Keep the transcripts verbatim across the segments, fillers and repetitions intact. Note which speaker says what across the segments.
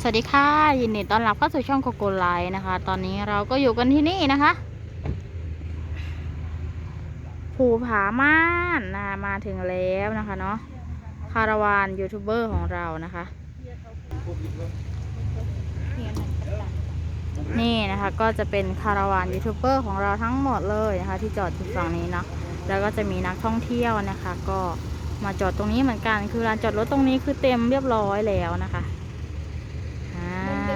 Speaker 1: สวัสดีค่ะยินดีต้อนรับเข้าสู่ช่องโกโกไลท์นะคะ ตอนนี้เราก็อยู่กันที่นี่นะคะภูผาม่านนะมาถึงแล้วนะคะเนาะคาราวานยูทูบเบอร์ของเรานะคะนี่นะคะก็จะเป็นคาราวานยูทูบเบอร์ของเราทั้งหมดเลยนะคะที่จอดอยู่ฝั่งนี้เนาะแล้วก็จะมีนักท่องเที่ยวนะคะ ก็มาจอดตรงนี้เหมือนกันคือลานจอดรถตรงนี้คือเต็มเรียบร้อยแล้วนะคะอ่า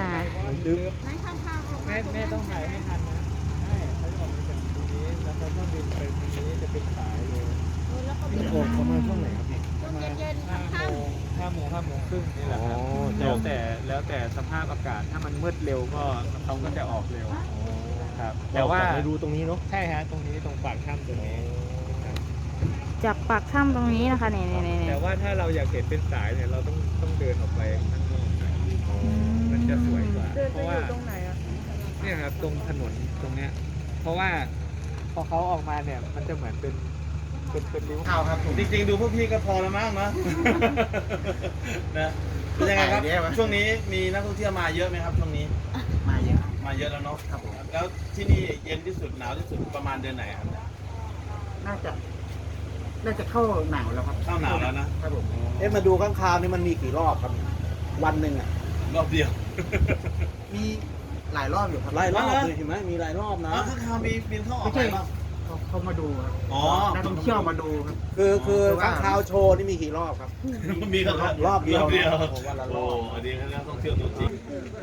Speaker 2: แม่แม่ต้องถ่ายให้ทันนะใช่เขาจะออกมาจากตรงนี้แล้วเขาก็บินไปตรงนี้จะเป็นสายเลยนี่ออกประมาณช่วงไหนครับพี่ประมาณห้าโมงห้าโมงห้าโมงครึ่งนี่แหละครับแล้วแต่แล้วแต่สภาพอากาศถ้ามันมืดเร็วก็เขาก็จะออกเร็วครับแต่ว่าดูตรงนี้เนาะใช่ฮะตรงนี้ตรงปากถ้ำตรงนี้
Speaker 1: จากปากถ้ำตรงนี้นะคะเนี่ย
Speaker 2: แต่ว่าถ้าเราอยากเห็นเป็นสายเนี่ยเราต้องต้องเดินออกไปข้างนอกมันจะสวยกว่าเพราะว่าเนี่ยครับตรงถนนตรงเนี้ยเพราะว่าพอเขาออกมาเนี่ยมันจะเหมือนเป็นเป็นเป็นริ้วขาวครับจริงๆดูพวกพี่ก็พอแล้วมั้งเนาะนะเป็นยังไงครับช่วงนี้มีนักท่องเที่ยวมาเยอะไหมครับช่วงนี้
Speaker 3: มาเยอะ
Speaker 2: มาเยอะแล้วเนาะ
Speaker 3: ครับผม
Speaker 2: แล้วที่นี่เย็นที่สุดหนาวที่สุดประมาณเดือนไหนครับ
Speaker 3: น่าจะน่าจะเข้าหนาวแล้วครับ
Speaker 2: เข้าหนาวแล้วนะครับ
Speaker 3: ผมเอ๊ะมาดูข้างคาวนี่มันมีกี่รอบครับวันหนึ่งอ่ะ
Speaker 2: รอบเดียว
Speaker 3: มีหลายรอบอยู่ครับ
Speaker 2: หลายรอบ
Speaker 3: เลยเห็นไหมมีหลายรอบนะ
Speaker 2: ข้างคาวมีบินเข้าออกไปบ้าง
Speaker 3: เขามาดูครับ
Speaker 2: อ๋อ
Speaker 3: นักท่องเที่ยวมาดูครับ
Speaker 4: คือคือข้างคาวโชว์นี่มีกี่รอบครับ
Speaker 2: มีรอบ
Speaker 4: รอบเดียว
Speaker 2: วันละรอบอันนี้นักท่องเที่ยวตัวจริง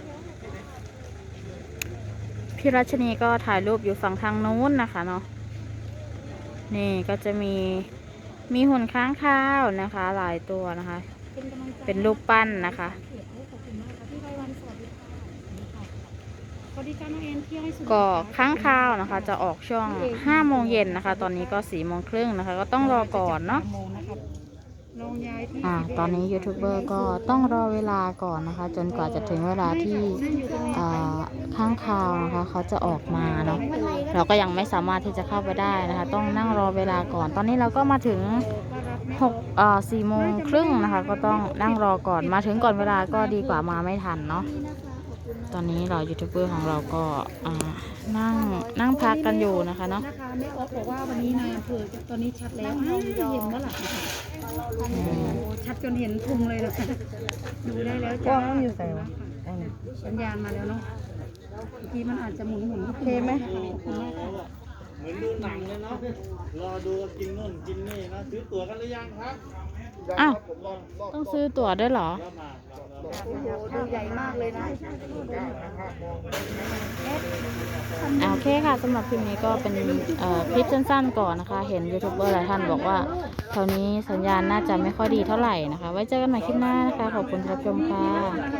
Speaker 1: พี่รัชนีก็ถ่ายรูปอยู่ฝั่งทางนู้นนะคะเนาะนี่ก็จะมีมีหุ่นค้างคาวนะคะ หลายตัวนะคะ เป็นรูปปั้นนะคะก็ค้างคาวนะคะ จะออกช่วงห้าโมงเย็นนะคะ ตอนนี้ก็สี่โมงครึ่งนะคะ ก็ต้องรอก่อนเนาะอ่าตอนนี้ยูทูบเบอร์ก็ต้องรอเวลาก่อนนะคะ จนกว่าจะถึงเวลาที่อ่าค้างคาวนะคะเขาจะออกมาเนาะเราก็ยังไม่สามารถที่จะเข้าไปได้นะคะ ต้องนั่งรอเวลาก่อน ตอนนี้เราก็มาถึงหกอ่าสี่โมงครึ่งนะคะ ก็ต้องนั่งรอก่อนมาถึงก่อนเวลาก็ดีกว่ามาไม่ทันเนาะตอนนี้เรายูทูบเบอร์ของเราก็นั่งนั่งพักกันอยู่นะคะเนาะ
Speaker 5: นะคะแม่ออฟบอกว่าวันนี้นายอำเภอตอนนี้ชัดแล้วอ้าวเห็นว่าหลับชัดจนเห็นพุงเลยนะคะดูได้แล้วจ้าอยู่ใส่วะสัญญาณมาแล้วเนาะเมื่อกี้มันอาจจะหมุนหมุนโอเคไหมขอบคุณมากค่ะ
Speaker 2: เหมือนดูหนังเลยเนาะรอดูกินนู่นกินนี่นะซื้อตั๋วกันหรือยังครับ
Speaker 1: อ้าวต้องซื้อตั๋วด้วยเหรอ
Speaker 5: โอ้โหดูใหญ่มากเลยนะ
Speaker 1: โอเคค่ะสำหรับคลิปนี้ก็เป็นคลิปสั้นๆก่อนนะคะเห็นยูทูบเบอร์หลายท่านบอกว่าแถวนี้สัญญาณน่าจะไม่ค่อยดีเท่าไหร่นะคะไว้เจอกันใหม่คลิปหน้านะคะขอบคุณที่รับชมค่ะ